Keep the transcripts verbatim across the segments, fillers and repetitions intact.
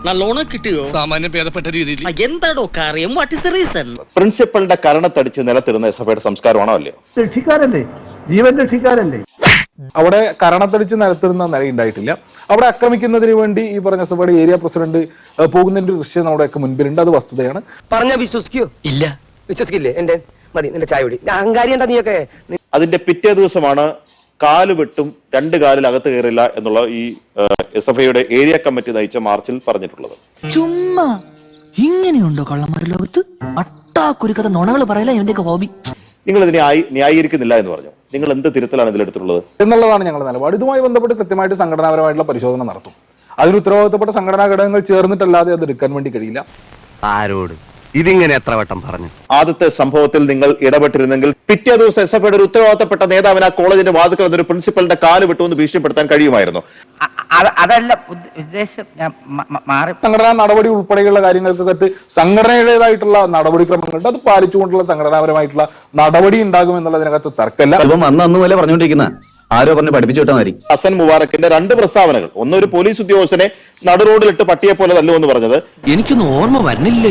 നല്ലോണം കിട്ടിയോ? സാമാന്യം ഭേദപ്പെട്ട രീതിയിൽ. എന്താടോ കാര്യം? What is the reason? പ്രിൻസിപ്പലിന്റെ കരണത്തടിച്ച് നിലത്തിരുന്ന എസ് എഫ് ഐയുടെ സംസ്കാരമാണോ അല്ലയോ? രക്ഷിക്കാരല്ലേ, ജീവൻ രക്ഷിക്കാരല്ലേ. അവിടെ കരണത്തടിച്ച് നിലത്തിരുന്ന നിലയുണ്ടായിട്ടില്ല. അവിടെ ആക്രമിക്കുന്നതിന് വേണ്ടി ഈ പറഞ്ഞ എസ് എഫ് ഐയുടെ ഏരിയ പ്രസിഡന്റ് പോകുന്നതിന്റെ ദൃശ്യം നമ്മുടെയൊക്കെ മുൻപിലുണ്ട്. അത് വസ്തുതയാണ്. പറഞ്ഞ വിശ്വസിക്കോ? ഇല്ല, വിശ്വസിക്കില്ലേ? എന്റെ മതി, നിന്റെ ചായ കുടി. അഹങ്കാരി എന്താ നീയൊക്കെ? അതിന്റെ പിറ്റേ ദിവസമാണ് കാല് വെട്ടും രണ്ട് കാലിൽ അകത്ത് കയറില്ല എന്നുള്ള ഈ എസ് എഫ് ഐയുടെ ഏരിയ കമ്മിറ്റി നയിച്ച മാർച്ചിൽ പറഞ്ഞിട്ടുള്ളത്. ചുമ്മാ ഇങ്ങനെയുണ്ടോ കള്ളന്മാരുടെ ലോകത്ത്? അട്ടാക്കുരുക്കഥ നുണകൾ പറയല ഇവന്റെയൊക്കെ ഹോബി. നിങ്ങൾ ഇതിനെ ന്യായീകരിക്കുന്നില്ല എന്ന് പറഞ്ഞു. നിങ്ങൾ എന്ത് തിരുത്തലാണ് ഇതിലെടുത്തിട്ടുള്ളത് എന്നുള്ളതാണ് ഞങ്ങളുടെ നിലപാട്. ഇതുമായി ബന്ധപ്പെട്ട് കൃത്യമായിട്ട് സംഘടനാപരമായിട്ടുള്ള പരിശോധന നടത്തും. അതിന് ഉത്തരവാദിത്തപ്പെട്ട സംഘടനാ ഘടകങ്ങൾ ചേർന്നിട്ടല്ലാതെ അത് എടുക്കാൻ വേണ്ടി കഴിയില്ല. ആരോട് ഇതിങ്ങനെ എത്ര വട്ടം പറഞ്ഞു? ആദ്യത്തെ സംഭവത്തിൽ നിങ്ങൾ ഇടപെട്ടിരുന്നെങ്കിൽ പിറ്റേ ദിവസം എസ് എഫ് ഐയുടെ ഒരു ഉത്തരവാദിത്തപ്പെട്ട നേതാവിന് ആ കോളേജിന്റെ വാതിക്കൽ എന്നൊരു പ്രിൻസിപ്പലിന്റെ കാല് വിട്ടുവെന്ന് ഭീഷണിപ്പെടുത്താൻ കഴിയുമായിരുന്നു. അതല്ല ഉദ്ദേശം. സംഘടനാ നടപടി ഉൾപ്പെടെയുള്ള കാര്യങ്ങൾക്കകത്ത് സംഘടനയുടേതായിട്ടുള്ള നടപടിക്രമങ്ങളുണ്ട്. അത് പാലിച്ചുകൊണ്ടുള്ള സംഘടനാപരമായിട്ടുള്ള നടപടി ഉണ്ടാകും എന്നുള്ളതിനകത്ത് തർക്കമില്ല. അന്ന് പോലെ പറഞ്ഞുകൊണ്ടിരിക്കുന്ന ആരോ പറഞ്ഞ് പഠിപ്പിച്ചു വിട്ടാൽ മതി. ഹസൻ മുബാറക്കിന്റെ രണ്ട് പ്രസ്താവനകൾ, ഒന്ന് ഒരു പോലീസ് ഉദ്യോഗസ്ഥനെ നടുറോഡിലിട്ട് പട്ടിയെ പോലെ തല്ലുവെന്ന് പറഞ്ഞത്, എനിക്കൊന്നും ഓർമ്മ വരുന്നില്ല.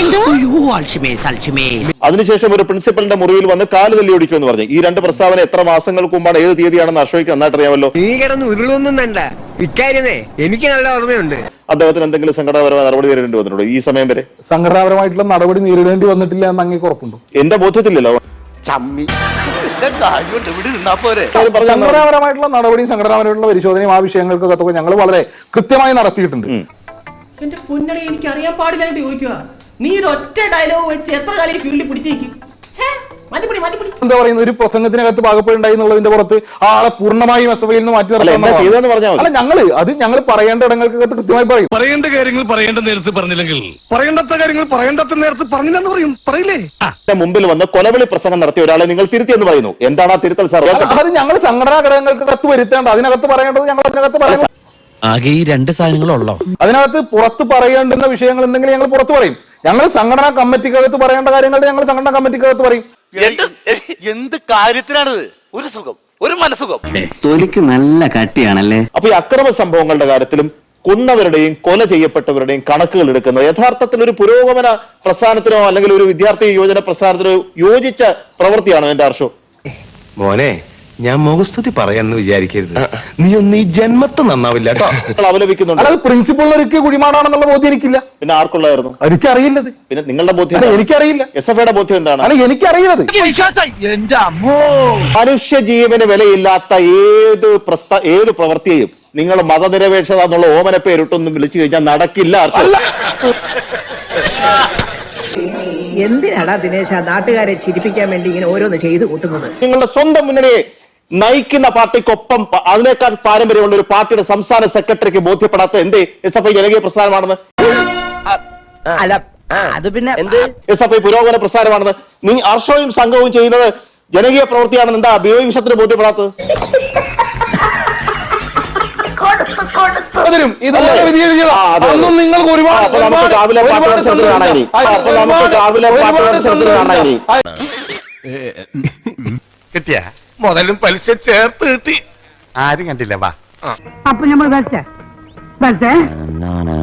അതിനുശേഷം ഒരു പ്രിൻസിപ്പലിന്റെ മുറിയിൽ വന്ന് കാല് തല്ലി ഓടിക്കുമെന്ന് പറഞ്ഞു. ഈ രണ്ട് പ്രസ്താവന എത്ര മാസങ്ങൾക്ക് മുമ്പാണ്, ഏത് തീയതിയാണെന്ന് അശോയ്ക്ക് നന്നായിട്ട് അറിയാമല്ലോ. നീ കിടന്ന് ഉരുളൊന്നും വേണ്ട, ഇക്കാര്യമേ എനിക്ക് നല്ല ഓർമ്മയുണ്ട്. അദ്ദേഹത്തിന് എന്തെങ്കിലും സംഘടനാപരമായ നടപടി നേരിടേണ്ടി വന്നിട്ടുണ്ടോ ഈ സമയം വരെ? സംഘടനാപരമായിട്ടുള്ള നടപടി നേരിടേണ്ടി വന്നിട്ടില്ല എന്ന് അങ്ങേക്ക് ഉറപ്പുണ്ടോ? എന്റെ ബോധ്യത്തില്ലല്ലോ. സംഘടനാപരമായിട്ടുള്ള നടപടിയും സംഘടനാപരമായിട്ടുള്ള പരിശോധനയും ആ വിഷയങ്ങൾക്കൊക്കെ ഞങ്ങൾ വളരെ കൃത്യമായി നടത്തിയിട്ടുണ്ട്. എന്റെ പൊന്നടി, എനിക്ക് അറിയാൻ പാടില്ലായിട്ട് ചോദിക്കുക. നീ ഒരു ഒറ്റ ഡയലോഗ് വെച്ച് എത്ര കാലം ഈ ഫീൽഡിൽ പിടിച്ചേക്കും? എന്താ പറയുന്നത്, ഒരു പ്രസംഗത്തിനകത്ത് പാകപ്പെടുണ്ടായി എന്നുള്ളതിന്റെ പുറത്ത് ആളെ പൂർണ്ണമായും എസ് എഫ് ഐയിൽ നിന്ന് മാറ്റി നിർത്താൻ അല്ല ഞങ്ങള് അത് ഞങ്ങൾ പറയേണ്ട ഇടങ്ങൾക്കകത്ത് കൃത്യമായി പറയും. പറയേണ്ട കാര്യങ്ങൾ പറയേണ്ട നേരത്ത് പറഞ്ഞില്ലെങ്കിൽ പറയേണ്ടാത്ത കാര്യങ്ങൾ പറയേണ്ടാത്ത നേരത്ത് പറഞ്ഞില്ലെന്ന് പറയും. പറയില്ലേ? മുമ്പിൽ വന്ന് കൊലവിളി പ്രസംഗം നടത്തിയ ഒരാളെ നിങ്ങൾ തിരുത്തിയെന്ന് പറയുന്നു. എന്താണ് ആ തിരുത്തൽ സാർ? അത് ഞങ്ങൾ സംഘടനാ ഘടകങ്ങൾക്ക് കത്ത് വരുത്തേണ്ട, അതിനകത്ത് പറയേണ്ടത് ഞങ്ങൾ അതിനകത്ത് പറയും. ആകെ ഈ രണ്ട് സാധനങ്ങളുള്ളോ? അതിനകത്ത് പുറത്ത് പറയേണ്ടുന്ന വിഷയങ്ങൾ ഉണ്ടെങ്കിൽ ഞങ്ങൾ പുറത്ത് പറയും. ഞങ്ങൾ സംഘടനാ കമ്മിറ്റിക്കകത്ത് പറയേണ്ട കാര്യങ്ങൾ ഞങ്ങൾ സംഘടനാ കമ്മിറ്റിക്കകത്ത് പറയും. എന്ത് കാര്യത്തിനാണിത്? ഒരു സുഖം, ഒരു മനസുഖം. തൊലിക്ക് നല്ല കട്ടിയാണല്ലേ. അപ്പൊ ഈ അക്രമ സംഭവങ്ങളുടെ കാര്യത്തിലും കൊന്നവരുടെയും കൊല ചെയ്യപ്പെട്ടവരുടെയും കണക്കുകൾ എടുക്കുന്നത് യഥാർത്ഥത്തിൽ ഒരു പുരോഗമന പ്രസ്ഥാനത്തിനോ അല്ലെങ്കിൽ ഒരു വിദ്യാർത്ഥി യുവജന പ്രസ്ഥാനത്തിനോ യോജിച്ച പ്രവൃത്തിയാണോ എന്റെ ഹർഷോ? മോനെ, ഞാൻ മുഖസ്തുതി പറയാന്ന് വിചാരിക്കരുത്. നീ ഒന്ന് ഈ ജന്മത്ത് നന്നാവില്ല കേട്ടോ. അവലപിക്കുന്നുണ്ട്. അത് പ്രിൻസിപ്പളിനൊരിക്കൽ കുടിമാടാണെന്നുള്ള ബോധ്യം എനിക്കില്ല. പിന്നെ ആർക്കുള്ളായിരുന്നു? എനിക്കറിയില്ലത്. പിന്നെ നിങ്ങളുടെ ബോധ്യം? എനിക്കറിയില്ല. എസ് എഫ് ഐയുടെ ബോധ്യം എന്താണ്? അല്ല എനിക്കറിയുന്നത്. മനുഷ്യ ജീവന് വിലയില്ലാത്ത ഏത് പ്രസ്ത ഏത് പ്രവൃത്തിയെയും നിങ്ങൾ മതനിരപേക്ഷത എന്നുള്ള ഓമന പേരിട്ടൊന്നും വിളിച്ചു കഴിഞ്ഞാൽ നടക്കില്ല. എന്തിനാടാ ദിനേശ നാട്ടുകാരെ ചിരിപ്പിക്കാൻ വേണ്ടി ഇങ്ങനെ ഓരോന്ന് ചെയ്തു കൂട്ടുന്നത്? നിങ്ങളുടെ സ്വന്തം മുന്നണിയെ നയിക്കുന്ന പാർട്ടിക്കൊപ്പം അതിനേക്കാൾ പാരമ്പര്യമുള്ള ഒരു പാർട്ടിയുടെ സംസ്ഥാന സെക്രട്ടറിക്ക് ബോധ്യപ്പെടാത്ത എന്തേ എസ് എഫ് ഐ ജനകീയ പ്രസ്ഥാനമാണെന്ന്? അല്ല അത് പിന്നെ എസ് എഫ് ഐ പുരോഗമന പ്രസ്ഥാനമാണെന്ന് നീ ഹർഷവും സംഘവും ചെയ്യുന്നത് ജനകീയ പ്രവൃത്തിയാണെന്ന് എന്താ ബി ഒ വിഷയത്തിന് ബോധ്യപ്പെടാത്തത്? നിങ്ങൾക്ക് ഒരുപാട് കിട്ടിയ മുതലും പലിശ ചേർത്ത് കിട്ടി. ആരും കണ്ടില്ല. വാ. അപ്പൊ നമ്മൾ